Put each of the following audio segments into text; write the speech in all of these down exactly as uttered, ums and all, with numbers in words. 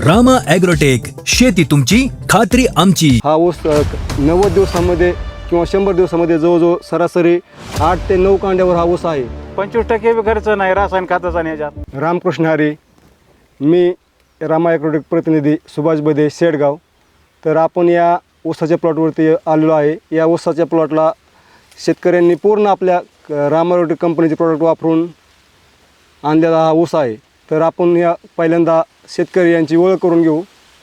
Rama agrotech, शेती तुमची खात्री आमची. हा ऊस अ, नव्वद दिवसामध्ये किंवा शंभर दिवसामध्ये जवळजवळ सरासरी आठ ते नऊ कांड्यावर हा ऊस आहे. पंचवीस टक्के बी खर्च नाही रासायनिक खताचा आणि ह्याच्यात. रामकृष्ण हरी, मी रामा ॲग्रोटेक प्रतिनिधी सुभाष बदे शेडगाव. तर आपण या ऊसाच्या प्लॉटवरती आलेलो आहे. या ऊसाच्या प्लॉटला शेतकऱ्यांनी पूर्ण आपल्या क- रामा ॲग्रोटेक कंपनीचे प्रॉडक्ट वापरून आणलेला हा ऊस आहे. तर आपण या पहिल्यांदा शेतकरी यांची ओळख करून घेऊ.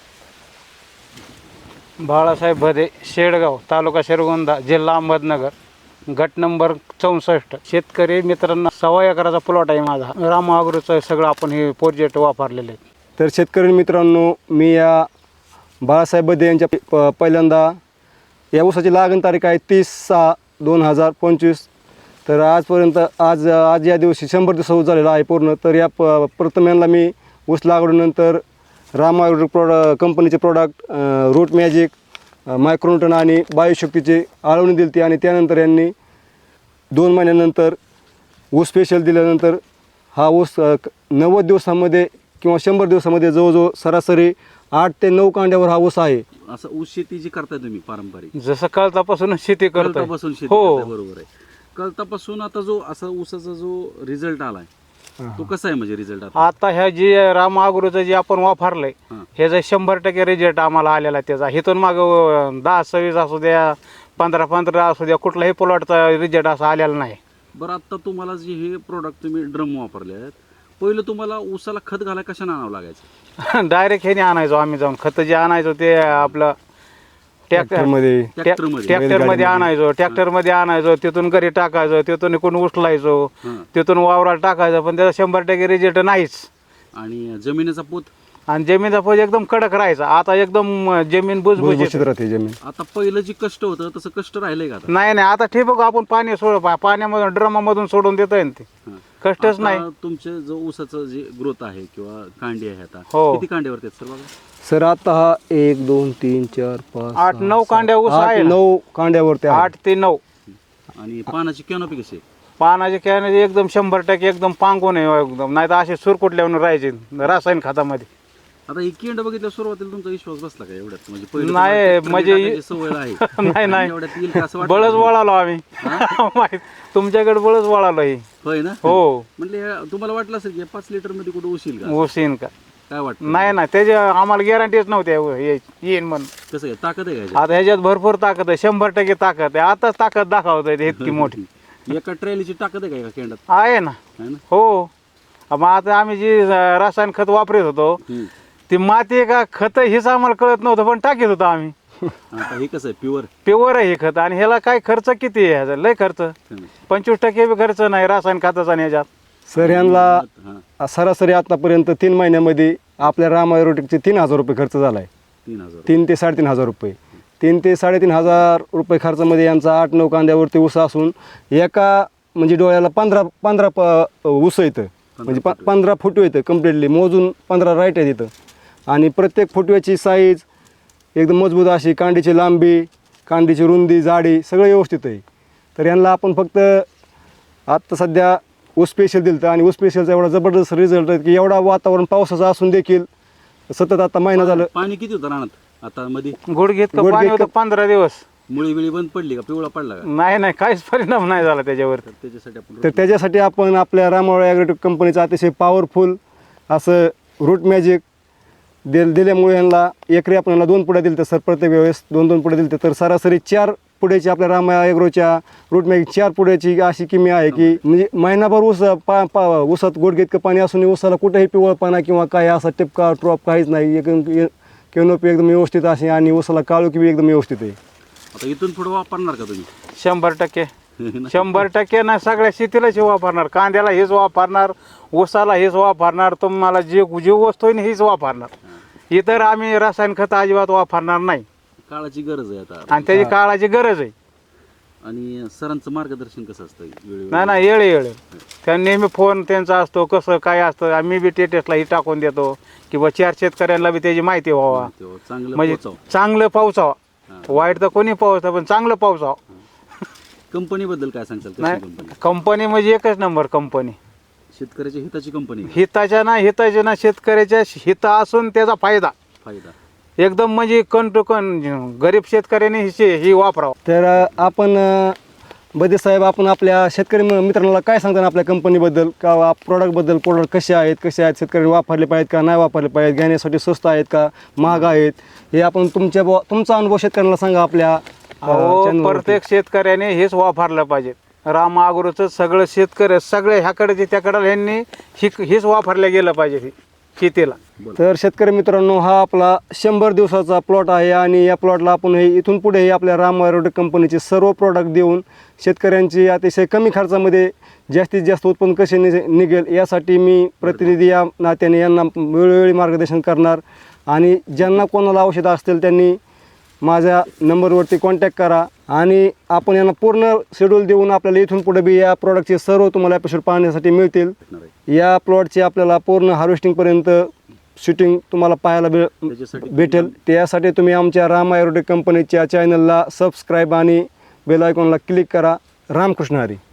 बाळासाहेब भदे, शेडगाव, तालुका शिरगोंदा, जिल्हा अहमदनगर, गट नंबर चौसष्ट. शेतकरी मित्रांना सव्वा एकराचा प्लॉट आहे माझा. रामा ॲग्रोचं सगळं आपण हे प्रोजेक्ट वापरलेले आहेत. तर शेतकरी मित्रांनो, मी या बाळासाहेब बदे यांच्या प पहिल्यांदा या ऊसाची लागण तारीख आहे तीस सहा दोन हजार पंचवीस. तर आजपर्यंत आज आज या दिवशी शंभर दिवस ऊस झालेला आहे पूर्ण. तर या प प्रथम यांना मी ऊस लागवडीनंतर रामा ॲग्रो प्रोड कंपनीचे प्रॉडक्ट रूट मॅजिक, मायक्रोन्यूटन आणि बायोशक्तीची आळवणी दिली ती. आणि त्यानंतर यांनी दोन महिन्यानंतर ऊस स्पेशल दिल्यानंतर हा ऊस अ, क- नव्वद दिवसामध्ये किंवा शंभर दिवसामध्ये जवळजवळ सरासरी आठ ते नऊ कांड्यावर हा ऊस आहे. असं ऊस शेती जी करताय तुम्ही पारंपरिक जसं कळतापासून शेती करतो. कळतापासून शेती हो. करताय, बरोबर आहे. कळतापासून आता जो असा ऊसाचा जो रिझल्ट आलाय तो कसा आहे, म्हणजे रिझल्ट आता आता ह्या जी रामा ॲग्रोचं जे आपण वापरलंय हां. ह्याचा शंभर टक्के रिझल्ट आम्हाला आलेला आहे त्याचा. इथून माग दहा सव्वीस असू द्या, पंधरा पंधरा असू द्या, कुठलाही प्लॉटचा रिझल्ट असा आलेला नाही. बरं, आता तुम्हाला जे हे प्रोडक्ट तुम्ही ड्रम वापरले आहेत, पहिलं तुम्हाला ऊसाला खत घालाय कशाने आणावं लागायचं? डायरेक्ट ह्याने आणायचो आम्ही जाऊन. खत जे आणायचो ते आपलं ट्रॅक्टर ट्रॅक्टरमध्ये ट्रॅक्टरमध्ये ट्रॅक्टर मध्ये आणायचो ट्रॅक्टर मध्ये आणायचो तिथून घरी टाकायचो, तिथून इकडून उचलायचो, हां. तिथून वावराला टाकायचं. पण त्याचा शंभर टक्के रिझल्ट नाहीच. आणि जमिनीचा पोत आणि जमीनचा पोत एकदम कडक राहायचा. आता एकदम अं, जमीन भुसभुशीत बुजबुजीत. राहते जमीन. आता पहिलं जे कष्ट होतं तसं कष्ट राहिलंय का आता? नाही नाही आता ठिबक आपण पाणी सोड पा- पाण्यामधून ड्रमामधून सोडून देतोय ना ते. हां. कष्टच आता नाही. तुमचे जो ऊसाचं जे ग्रोथ आहे किंवा कांडी आहे आता हो. किती कांड्यावरती आहेत सर बघा? सर आता हा एक दोन तीन चार पाच आठ सहा, नऊ सात, कांड्या ऊस आठ, आहे ना. नऊ कांड्यावरती आहे. आठ ते नऊ आणि पानाची कॅनोपी कशी आहे? पानाचे कॅने एकदम शंभर टक्के एकदम पांगून आहे एकदम. नाही तर असे सुरकुटल्यावर राहायचे रासायनिक खतामध्ये. आता ही केंड बघितल्या सुरुवातीला तुमचा विश्वास बसला का एवढ्यात? म्हणजे पहिलं नाही, तुम्हाला tractor म्हणजे- टाकायची सवय आहे नाही, नाही. आणि एवढ्यात येईल का असं वाटलं? बळच वळालो आम्ही. माहित- तुमच्याकडे बळच वळालो ही. होय ना? हो. म्हणजे हे तुम्हाला वाटलं असेल की पाच लिटर मध्ये कुठं उशील का? ऊस येईन का? काय वाटतं? नाही ना त्याची आम्हाला गॅरंटीच नव्हती ये- येईन म्हणून. कसं आहे, ताकद आहे का ह्याच्यात? आता ह्याच्यात भरपूर ताकद आहे, शंभर टक्के ताकद आहे. आताच ताकद दाखवत आहे इतकी मोठी एका ट्रॅलीची ताकद आहे का एका केंडात? आहे ना. है ना? हो. मग आता आम्ही जी अं, रासायनिक खत वापरत होतो हम्म. ती माती का खत हेच आम्हाला कळत नव्हतं, पण टाकीत होतो आम्ही. आता हे कसं आहे, प्युअर प्युअर आहे हे खत. आणि ह्याला काय खर्च किती आहे ह्याचा? लय खर्च. पंचवीस टक्के बी खर्च नाही रासायनिक खताचा आणि ह्याच्यात. सर यांना हा, सरासरी आतापर्यंत तीन महिन्यामध्ये आपल्या राम ॲग्रोटेकचे तीन हजार रुपये खर्च झाला आहे. तीन हजार तीन ते साडेतीन हजार रुपये तीन ते साडेतीन हजार रुपये खर्चामध्ये यांचा आठ नऊ कांद्यावरती ऊस असून एका म्हणजे डोळ्याला पंधरा पंधरा प ऊस येतं. म्हणजे प पंधरा फुटवे येतं कम्प्लिटली मोजून पंधरा राईट आहेत इथं. आणि प्रत्येक फुटव्याची साईज एकदम मजबूत अशी, कांडीची लांबी, कांडीची रुंदी, जाडी सगळं व्यवस्थित आहे. तर यांना आपण फक्त आत्ता सध्या ऊस स्पेशल दिलं होतं आणि ऊस स्पेशलचा एवढा जबरदस्त रिझल्ट आहे की एवढा वातावरण पावसाचं असून देखील सतत आता महिना झालं पाणी किती होतं रानात आता मध्ये? गुडघेत का गुडघेत पाणी का- होतं पंधरा दिवस. मुळी बिळी बंद पडली का, पिवळा पडला का? नाही नाही काहीच परिणाम नाही झाला त्याच्यावर. तर त्याच्यासाठी आपण तर त्याच्यासाठी आपण आपल्या रामा ॲग्रोटेक कंपनीचं अतिशय पॉवरफुल असं रूट मॅजिक दिल दिल्यामुळे यांना एकरी आपण यांना दोन पुढे दिलं तर सर प्रत्येक वेळेस दोन दोन पुढे दिलं तर सरासरी चार पुढ्याची आपल्या रामा ॲग्रोच्या रूट मॅजिक चार पुढ्याची अशी किमी आहे की म्हणजे महिनाभर ऊस पा पा ऊसात गुडघे इतकं पाणी असून ऊसाला कुठेही पिवळपणा किंवा काय असा टिपका ड्रॉप काहीच नाही. एकदम केनोपी एकदम व्यवस्थित अशी आणि ऊसाला काळोखी बी एकदम व्यवस्थित आहे. आता इथून पुढे वापरणार का तुम्ही? शंभर टक्के शंभर टक्के ना सगळ्या शेतीलाच हे वापरणार. कांद्याला हेच वापरणार, ऊसाला हेच वापरणार, तुम्हाला जे जी वस्तू आहे ना हेच वापरणार. इतर आम्ही रासायनिक खत अजिबात वापरणार नाही. काळाची गरज आहे आता. आणि त्याची काळाची गरज आहे. आणि सरांचं मार्गदर्शन कसं असतं वेळेवर? नाही ना येळे येळे त्या नेहमी फोन त्यांचा असतो, कसं काय असतं. आम्ही बी टेटेसला ही टाकून देतो किंवा चार शेतकऱ्यांना बी त्याची माहिती व्हावा. तेव्हा चांगलं म्हणजे पोचावं. चांगलं पावसावा. वाईट तर कोणी पावसा पण चांगलं पावसावा. कंपनीबद्दल काय सांगताल? कशी नाही कंपनी? कंपनी म्हणजे एकच नंबर कंपनी. शेतकऱ्याच्या हिताची कंपनी हिताच्या ना हिताच्या ना शेतकऱ्याच्या हित असून त्याचा फायदा फायदा एकदम म्हणजे कण टू कण गरीब शेतकऱ्याने ही ही वापरावं. तर अ, आपण अ, बदे साहेब आपण आपल्या शेतकरी म- मित्रांना काय सांगता आपल्या कंपनीबद्दल का प्रॉडक्टबद्दल प्रोडक्ट कसे आहेत कसे आहेत शेतकऱ्यांनी वापरले पाहिजेत का नाही वापरले पाहिजेत घेण्यासाठी स्वस्त आहेत का महाग आहेत हे आपण तुमच्या बुवा- तुमचा अनुभव शेतकऱ्यांना सांगा आपल्या अ, अहो channel वरती. प्रत्येक शेतकऱ्याने हेच वापरलं पाहिजे. राम अग्रोचं सगळं शेतकरी सगळे ह्याकडे त्याकडे ह्यांनी ही हेच वापरलं गेलं पाहिजे हे शेतीला. तर शेतकरी मित्रांनो हा आपला शंभर दिवसाचा प्लॉट आहे आणि या प्लॉटला आपण हे इथून पुढे आपल्या राम ॲग्रोटेक कंपनीचे सर्व प्रोडक्ट देऊन शेतकऱ्यांची अतिशय कमी खर्चामध्ये जास्तीत जास्त उत्पन्न कसे नि निघेल यासाठी मी प्रतिनिधी या नात्याने यांना वेळोवेळी मार्गदर्शन करणार. आणि ज्यांना कोणाला औषधं असतील त्यांनी माझ्या नंबरवरती कॉन्टॅक्ट करा आणि आपण यांना पूर्ण शेड्यूल देऊन आपल्याला इथून पुढे बी या प्रोडक्टचे सर्व तुम्हाला एपिसोड पाहण्यासाठी मिळतील. या प्लॉटचे आपल्याला पूर्ण हार्वेस्टिंगपर्यंत शूटिंग तुम्हाला पाहायला भे त्याच्यासाठी भेटेल. त्यासाठी तुम्ही आमच्या राम ॲग्रोटेक कंपनीच्या चॅनलला सबस्क्राईब आणि बेल आयकॉनला क्लिक करा. रामकृष्ण हरी.